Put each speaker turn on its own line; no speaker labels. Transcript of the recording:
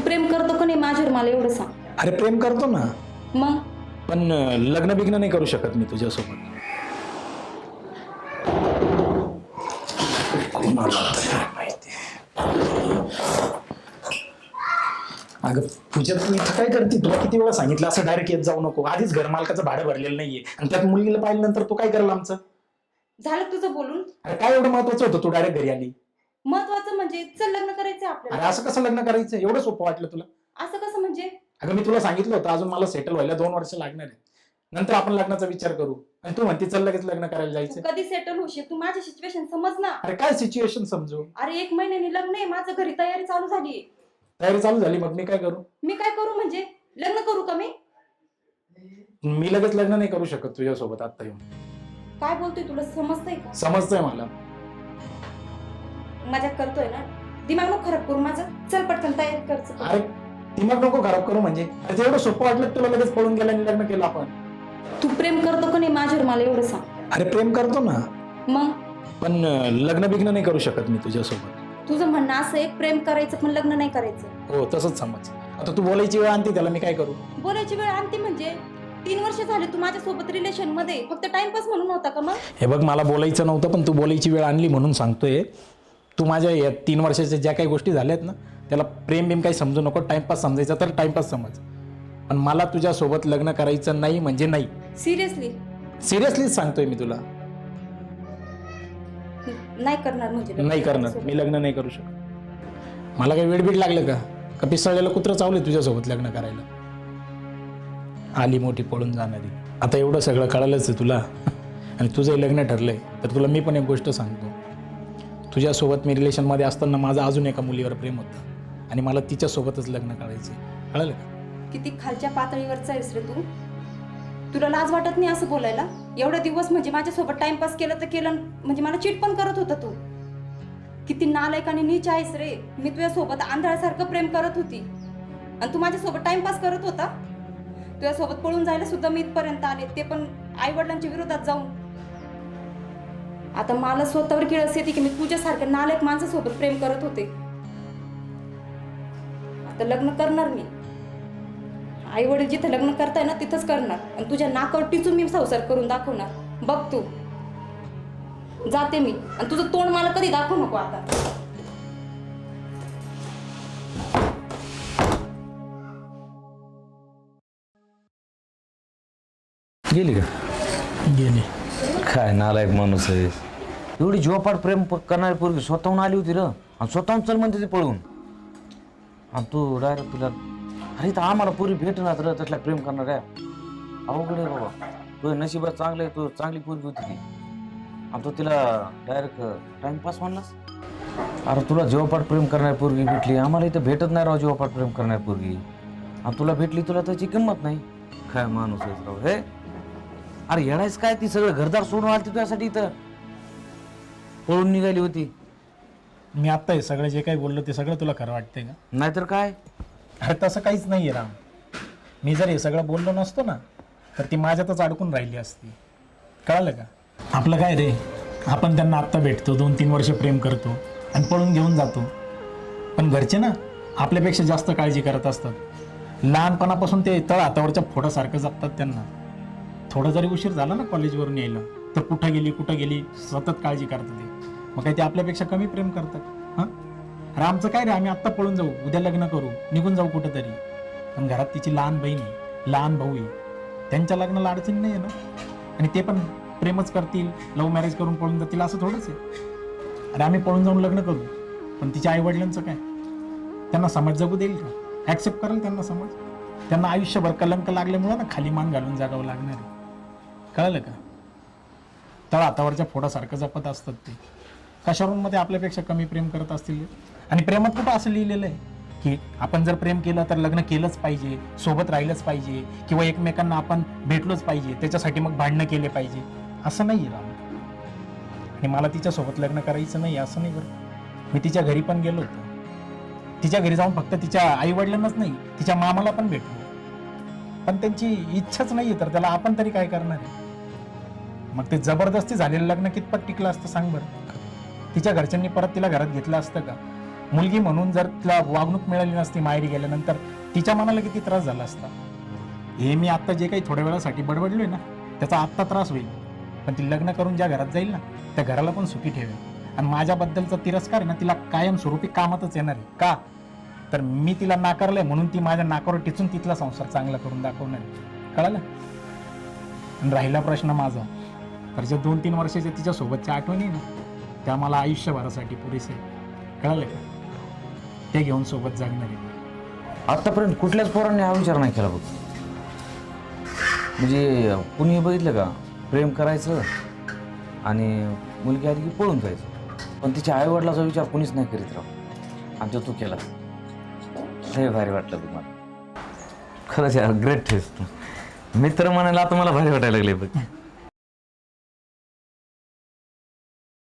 प्रेम करतो का नाही माझ्यावर मला एवढं सांग.
अरे प्रेम करतो ना,
मग
पण लग्न बिग्न नाही करू शकत मी तुझ्यासोबत. अगं पूजा, तू इथं काय करते? तुला किती वेळा सांगितलं असं डायरेक्ट येत जाऊ नको. आधीच घर मालकाचं भाडं भरलेलं नाहीये आणि त्यात मुलीला पाहिल्यानंतर तू काय करायला आमचं?
झालं तुझं बोलून.
अरे काय एवढं महत्वाचं होतं तू डायरेक्ट घरी आली?
महत्वाचं म्हणजे चल लग्न करायचंय
अरे
आपल्याला.
असं कसं लग्न करायचं? एवढं सोपं वाटलं तुला?
असं कसं म्हणजे?
अगं मी तुला सांगितलं होतं अजून मला सेटल व्हायला 2 वर्ष लागणार आहे, नंतर आपण लग्नाचा विचार करू. आणि तू म्हणते चल लगेच लग्न करायला
तू
जायचं.
कधी सेटल होशील? तू माझी सिच्युएशन समज ना.
अरे काय सिच्युएशन समजू?
अरे 1 महिन्याने लग्न आहे माझं, घरी तयारी चालू झाली.
तयारी चालू झाली, मग मी काय करू?
मी काय करू म्हणजे? लग्न करू का मी?
मी लगेच लग्न नाही करू शकत तुझ्यासोबत आता येऊन.
काय बोलतोय, तुला समजतंय का?
समजतंय मला.
मजाक करतोय ना? दिमाग नको खराब करू माझं. चल पटकन तयारी कर.
अरे दिमाग नको खराब करू म्हणजे? अरे एवढं सोपं वाटलं तुला लगेच पळून गेला आणि लग्न केलं आपण?
तू प्रेम करतो का नाही माझ्यावर मला एवढं सांग.
अरे प्रेम करतो ना,
मग
पण लग्न बिग्न नाही करू शकत मी तुझ्यासोबत.
तुझं म्हणणं असं आहे प्रेम करायचं पण लग्न नाही करायचं.
हो तसंच समज. आता तू बोलायची वेळ आणते त्याला, मी काय करू?
बोलायची वेळ आणते म्हणजे 3 वर्ष झाले तू माझ्यासोबत रिलेशन मध्ये, फक्त टाइमपास म्हणून होता का मग?
हे बघ, मला बोलायचं नव्हतं पण तू बोलायची वेळ आणली म्हणून सांगतोय. तू माझ्या या 3 वर्षाच्या ज्या काही गोष्टी झाल्यात ना, त्याला प्रेम बिम काही समजू नको. टाइमपास समजायचा तर टाइमपास समज, पण मला तुझ्यासोबत लग्न करायचं नाही म्हणजे नाही.
सिरियसली?
सिरियसलीच सांगतोय मी तुला.
नाही करणार म्हणजे?
नाही करणार मी, लग्न नाही करू शकत. मला काही वेडबीड लागलं का पिसळलेलं कुत्रं चावलंय तुझ्यासोबत लग्न करायला? आली मोठी पळून जाणारी. आता एवढं सगळं कळालंच आहे तुला आणि तुझंही लग्न ठरलंय तर तुला मी पण एक गोष्ट सांगतो. तुझ्यासोबत मी रिलेशनमध्ये असताना माझं अजून एका मुलीवर प्रेम होतं आणि मला तिच्यासोबतच लग्न करायचं. कळलं का?
किती खालच्या पातळीवरचा आहेस रे तू. तुला लाज वाटत नाही असं बोलायला? एवढे दिवस म्हणजे माझ्यासोबत टाइमपास केलं तर केलं, म्हणजे मला चीट पण करत होता तू. किती नालायक आणि नीच आहेस रे. मी तुझ्यासोबत आंधळ्यासारखं प्रेम करत होती आणि तू माझ्यासोबत टाइमपास करत होता. तुझ्यासोबत पळून जायला सुद्धा मी इथपर्यंत आले, ते पण आई वडिलांच्या विरोधात जाऊन. आता मला स्वतःवर किळस येते की मी तुझ्यासारख्या नालायक माणसासोबत प्रेम करत होते. आता लग्न करणार मी. आई वडील जिथं लग्न करताय ना तिथंच करणार आणि तुझ्या नाकावर टिचून मी संसार करून दाखवणार. बघ तू. जाते मी आणि तुझं तोंड मला कधी दाखवू नको आता.
गेली का?
गेली.
काय नालायक माणूस आहे. एवढी जीवापाड प्रेम करणारी पोरगी स्वतःहून आली होती र, आणि स्वतःहून चल म्हणते ती पळून. आणि तू डायरेक्ट तुला, अरे तर आम्हाला पोरी भेटणार र तसला प्रेम करणार आहे. अवघड आहे बाबा. तुझ्या नशिबात चांगलं आहे, तू चांगली पोरगी होती ती आणि तू तिला डायरेक्ट टाइमपास म्हणलास. अरे तुला जीवापाड प्रेम करणारी पोरगी भेटली, आम्हाला इथं भेटत नाही राव जीवापाड प्रेम करणारी पोरगी. आणि तुला भेटली, तुला त्याची किंमत नाही. काय माणूस आहे राव हे. अरे येणायच काय, ती सगळं घरदार सोडून आली तुझ्यासाठी, इथं पळून निघाली होती.
मी आत्ता हे सगळं जे काही बोललो ते सगळं तुला खरं वाटतंय का?
नाहीतर काय.
अरे तसं काहीच नाही आहे राम. मी जर हे सगळं बोललो नसतो ना तर ती माझ्यातच अडकून राहिली असती. कळालं का? आपलं काय रे, आपण त्यांना आत्ता भेटतो, 2-3 वर्ष प्रेम करतो आणि पळून घेऊन जातो. पण घरचे ना आपल्यापेक्षा जास्त काळजी करत असतात. लहानपणापासून ते तळ हातावरच्या फोडासारखं जपतात त्यांना. थोडा जरी उशीर झाला ना कॉलेजवरून यायला तर कुठं गेली सतत काळजी करतात ते. मग काय ते आपल्यापेक्षा कमी प्रेम करतात? हां, अरे आमचं काय रे, आम्ही आत्ता पळून जाऊ, उद्या लग्न करू, निघून जाऊ कुठं तरी. पण घरात तिची लहान बहीण आहे, लहान भाऊ आहे, त्यांच्या लग्नाला अडचण नाही आहे ना. आणि ते पण प्रेमच करतील, लव्ह मॅरेज करून पळून जातील असं थोडंच आहे. अरे आम्ही पळून जाऊन लग्न करू, पण तिच्या आईवडिलांचं काय? त्यांना समाज जगू देईल का? ॲक्सेप्ट करेल त्यांना समाज? त्यांना आयुष्यभर कलंक लागल्यामुळं ना खाली मान घालून जागावं लागणार आहे. कळलं का? तळ हातावरच्या फोडासारखं जपत असतात ते. कशावरून मध्ये आपल्यापेक्षा कमी प्रेम करत असतील? आणि प्रेमात कुठं असं लिहिलेलं आहे की आपण जर प्रेम केलं तर लग्न केलंच पाहिजे, सोबत राहिलंच पाहिजे, किंवा एकमेकांना आपण भेटलोच पाहिजे, त्याच्यासाठी मग भांडणं केले पाहिजे? असं नाही आहे राम. आणि मला तिच्यासोबत लग्न करायचं नाही असं नाही बरं. मी तिच्या घरी पण गेलो होतो. तिच्या घरी जाऊन फक्त तिच्या आईवडिलांनाच नाही, तिच्या मामाला पण भेटलो. पण त्यांची इच्छाच नाही आहे तर त्याला आपण तरी काय करणार आहे? मग ते जबरदस्ती झालेलं लग्न कितपत टिकलं असतं सांग बरं? तिच्या घरच्यांनी परत तिला घरात घेतलं असतं का? मुलगी म्हणून जर तिला वागणूक मिळाली नसती माहेरी गेल्यानंतर तिच्या मनाला किती त्रास झाला असता. हे मी आता जे काही थोड्या वेळासाठी बडबडलोय ना त्याचा आत्ता त्रास होईल, पण ती लग्न करून ज्या घरात जाईल ना त्या घराला पण सुखी ठेवेल. आणि माझ्याबद्दलचा तिरस्कार आहे ना तिला कायमस्वरूपी कामातच येणार आहे. का तर मी तिला नाकारलंय म्हणून ती माझ्या नाकावर टिचून तिथला संसार चांगला करून दाखवणार आहे. कळालं? आणि राहिला प्रश्न माझा, तर जे 2-3 वर्षाच्या तिच्या सोबतच्या आठवणी ना त्या मला आयुष्यभरासाठी पुरेसे आहे. कळालं का? ते घेऊन सोबत जगणार आहे.
आतापर्यंत कुठल्याच पोरांनी हा विचार नाही केला बघ. म्हणजे कुणी बघितलं का प्रेम करायचं आणि मुलगी आली की पळून जायचं, पण तिच्या आईवडिलाचा विचार कुणीच नाही करीत राव. आणि तू केला, लय भारी वाटलं तुम्हाला. खरंच यार, ग्रेट टेस्ट. मित्र म्हणायला आता मला भारी वाटायला लागले बघ.